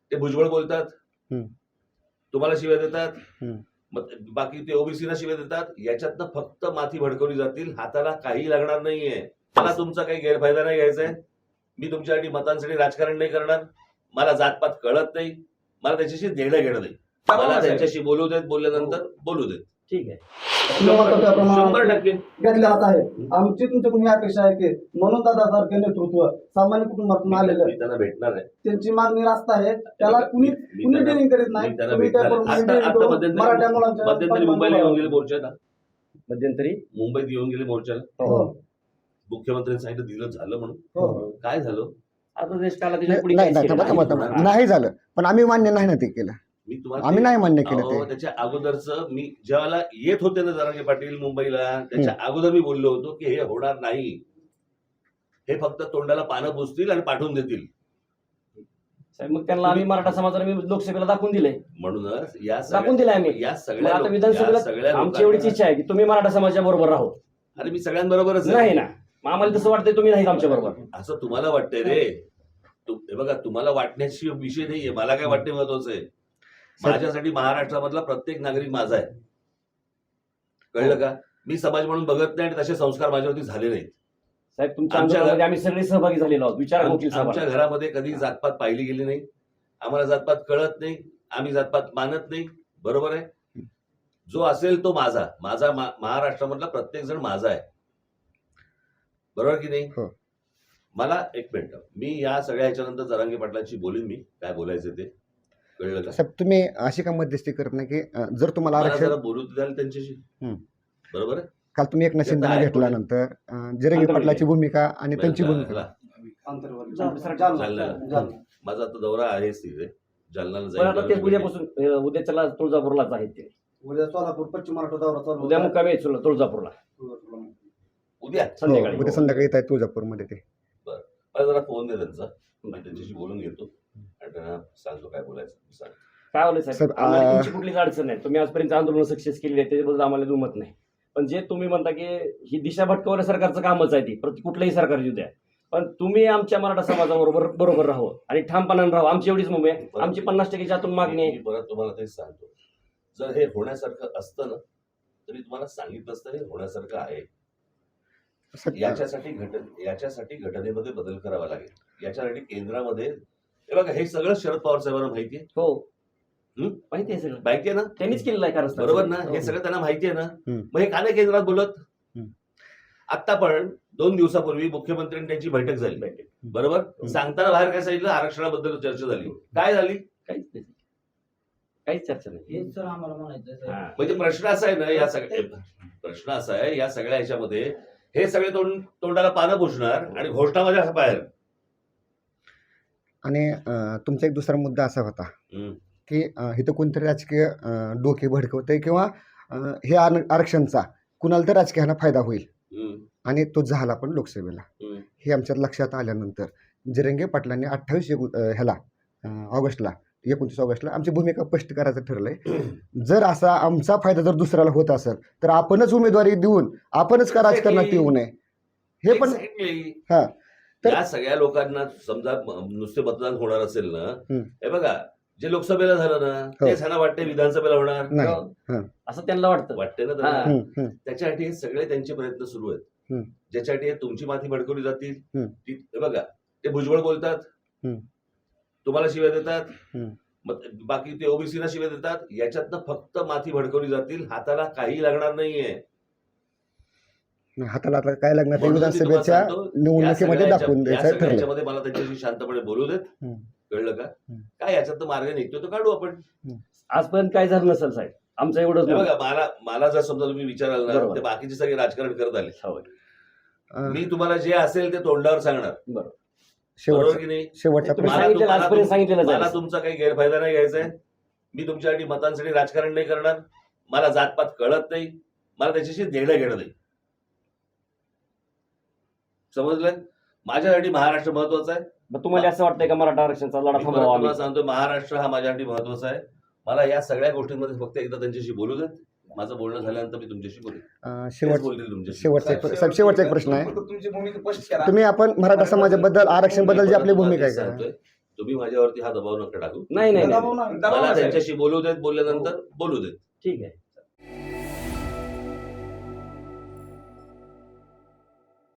ते भुजबळ बोलतात, हम्म. तुम्हाला शिव्या देतात, हम्म. मग बाकी ते ओबीसीला शिव्या देतात. याच्यातनं फक्त माथी भडकवली जातील, हाताला काही लागणार नाहीये. मला तुमचा काही गैरफायदा नाही घ्यायचा आहे. मी तुमच्यासाठी मतांसाठी राजकारण नाही करणार. मला जातपात कळत नाही, मला त्याच्याशी देणं घेणं नाही. मला त्यांच्याशी बोलू देत, बोलल्यानंतर बोलू देत. ठीक आहे, 100% घेतलेला आहे. आमची तुमच्याकडून ही अपेक्षा आहे की म्हणून दादासारखे नेतृत्व सामान्य कुटुंबातून आलेलं मी त्यांना भेटणार आहे. त्यांची मागणी रास्त आहे, त्याला कुणी ट्रेनिंग करीत नाही. मी त्यांना तुम्ही भेटणार त्याप्रमाणे आहे. training आता करून मराठा मुलांच्या मध्यंतरी मुंबईला येऊन गेले मोर्चाला. मध्यंतरी मुंबईत येऊन गेले मोर्चाला. हो. मुख्यमंत्र्यांनी सांगितलं दिलं झालं म्हणून. हो. काय झालं? आता देश काला त्याच्या पुढे नाही काहीच नाही, केलं थांबा, नाही. थांबा. नाही झालं, पण आम्ही मान्य नाही ना ते केलं. मी तुम्हाला आम्ही नाही मान्य केलं अहो, ते. त्याच्या अगोदरच मी ज्यावेळेला येत होते ना जरांगे पाटील मुंबईला, त्याच्या अगोदर मी बोललो होतो की हे होणार नाही. हे फक्त तोंडाला पानं पुसतील आणि पाठवून देतील. साहेब, मग त्यांना आम्ही मराठा समाजाला मी लोकसभेला दाखवून दिलंय, म्हणूनच या दाखवून दिलंय आम्ही. या मग सगळ्या आता लोक- या विधानसभेला सगळ्या आमची एवढीच लोकांना- इच्छा आहे की तुम्ही मराठा समाजाच्या बरोबर राहो. अरे मी सगळ्यांबरोबरच आहे. नाही ना, मग आम्हाला तसं वाटतंय तुम्ही नाही आमच्या बरोबर. असं तुम्हाला वाटतंय रे. हे बघा, तुम्हाला वाटण्याची विषय नाहीये, मला काय वाटणे महत्वाचं आहे. माझ्यासाठी महाराष्ट्रामधला प्रत्येक नागरिक माझा आहे. कळलं का? मी समाज म्हणून बघत नाही आणि तसे संस्कार माझ्यावरती झाले नाहीत. साहेब, तुमच्या आमच्या आंदोलनामध्ये आम्ही सगळे सहभागी झालेलो आहोत. विचारा वकील आमच्या साहेब. घरामध्ये कधी जातपात पाहिली गेली नाही. आम्हाला जातपात कळत नाही, आम्ही जातपात मानत नाही. बरोबर आहे. जो असेल तो माझा. माझा महाराष्ट्रामधला प्रत्येक जण माझा आहे. बरोबर की नाही? हो. मला एक मिनिट, मी या सगळ्या ह्याच्यानंतर जरांगे पाटलांशी बोलीन, मी काय बोलायचं ते. कळलं का? साहेब, तुम्ही अशी का मध्यस्थी करत नाही की जर तुम्हाला मला आरक्षण जरा बोलू द्याल त्यांच्याशी. हम्म. बरोबर आहे. काल तुम्ही एकनाथ शिंदेना आहे घेतल्यानंतर जरंगे पाटलाची भूमिका आणि त्यांची भूमिका जालन्याला. माझा आता दौरा आहेच तिथे. जालन्याला पण आता ते जाईल. उद्यापासून उद्याच्याला तुळजापूरलाच आहेत ते. उद्या सोलापूर पश्चिम महाराष्ट्र दौरा चालू उद्या होता. मुक्कामी आहेत तुळजापूरला उद्या संध्याकाळी. उद्या संध्याकाळी येत आहे तुळजापूरमध्ये ते. मला जरा फोन दे त्यांचा, मी त्यांच्याशी बोलून घेतो आणि त्यांना सांगतो काय बोलायचं. सांग. काय होलं साहेब, साहेब, आम्हाला तुमची कुठलीच अडचण नाही. तुम्ही आजपर्यंत आंदोलन सक्सेस केली आहे, त्याच्याबद्दल आम्हाला दुमत नाही. पण जे तुम्ही म्हणता की ही दिशा भटकवण्या सरकारचं कामच आहे ती, कुठलंही सरकार येऊ द्या, पण तुम्ही आमच्या मराठा समाजाबरोबर राहू आणि ठामपणाने राहू. आमची एवढीच मुंबई आहे. आमची 50% आतून मागणी आहे. मी परत तुम्हाला तेच सांगतो, जर हे होण्यासारखं असतं ना तरी तुम्हाला सांगितलं असतं हे होण्यासारखं आहे. याच्यासाठी घटनेमध्ये बदल करावा लागेल. याच्यासाठी केंद्रामध्ये हे बघा, हे सगळं शरद पवार साहेबांना माहिती आहे. हो, माहिती आहे सगळं, माहिती आहे ना? त्यांनीच केलेलं आहे कारण बरोबर ना? हे सगळं त्यांना माहिती आहे ना? हम्म. मग हे का नाही केंद्रात बोलत? हम्म. आता पण 2 दिवसापूर्वी मुख्यमंत्र्यांनी त्यांची बैठक झाली. बरोबर. सांगताना बाहेर काय सांगितलं? आरक्षणाबद्दल चर्चा झाली. काय झाली? काहीच चर्चा नाही. हेच सर आम्हाला म्हणायचं आहे. म्हणजे प्रश्न असा आहे ना, प्रश्न असा आहे या सगळ्या ह्याच्यामध्ये हे सगळे तोंडाला पानं पुसणार आणि घोषणा माझ्या बाहेर. आणि तुमचा एक दुसरा मुद्दा असा होता की इथं कोणतरी राजकीय डोके भडकवतंय किंवा हे आरक्षणचा कुणाला तर राजकीयांना फायदा होईल आणि तो झाला पण लोकसभेला. हे आमच्या लक्षात आल्यानंतर जरंगे पाटलांनी 29 ऑगस्टला आमची भूमिका स्पष्ट करायचं ठरलंय. जर असा आमचा फायदा जर दुसऱ्याला होत असेल तर आपणच उमेदवारी देऊन आपणच का राजकारणात येऊ नये. हे पण हा तर या सगळ्या लोकांना समजा नुसते मतदान होणार असेल ना, हे बघा जे लोकसभेला झालं ना तेच ह्यांना वाटते विधानसभेला होणार नाही. असं त्यांना वाटते ना त्यांना. हा. त्याच्यासाठी हे सगळे त्यांचे प्रयत्न सुरू आहेत. ज्याच्यासाठी तुमची माथी भडकवली जातील. हे बघा, ते भुजबळ बोलतात, तुम्हाला शिव्या देतात, मग बाकी ते ओबीसीला शिव्या देतात. याच्यातनं फक्त माथी भडकवली जातील, हाताला काही लागणार नाहीये. हाताला आता काय लागणार ते म्हणून मी तुम्हाला विधानसभेच्या सांगतो, निवडणुकीमध्ये दाखवून द्यायचं ठरलं. याच्यामध्ये मला त्यांच्याशी शांतपणे बोलू देत. कळलं का? काय याच्यात मार्ग निघतो तो काढू आपण. आजपर्यंत काय झालं नसेल साहेब, आमचं एवढंच हे बघा, मला जर समजा तुम्ही विचाराल ना, बरोबर. ते बाकीचे सगळे राजकारण करत आले. होय. मी तुम्हाला जे असेल ते तोंडावर सांगणार. बरोबर. बरोबर की नाही? शेवटचा तुम्ही प्रश्न सांगितलेलं आजपर्यंत सांगितलेलं मला आहे. तुमचा काही गैरफायदा नाही घ्यायचा आहे. मी तुमच्यासाठी मतांसाठी राजकारण नाही करणार. मला जातपात कळत नाही, मला त्याच्याशी देणं घेणं नाही. समजलं? माझ्यासाठी महाराष्ट्र महत्वाचा आहे. मग तुम्हाला असं वाटतंय का मराठा आरक्षणाचा लढा मी परत थांबवावा आम्ही? तुम्हाला सांगतो, महाराष्ट्र हा माझ्यासाठी महत्वाचा आहे. मला या सगळ्या गोष्टींमध्ये फक्त एकदा त्यांच्याशी बोलू देत. माझं बोलणं झाल्यानंतर मी तुमच्याशी बोलेन. बोलतील तुमच्याशी. शेवटचा एक प्रश्न आहे. तुमची भूमिका स्पष्ट करा. तुम्ही आपण मराठा समाजाबद्दल आरक्षण बद्दल जी आपली भूमिका आहे सांगतोय, तुम्ही माझ्यावरती हा दबाव नका टाकू. नाही नाही नाही. दबाव नाही. मला त्यांच्याशी बोलू देत, बोलल्यानंतर बोलू देत. ठीक आहे.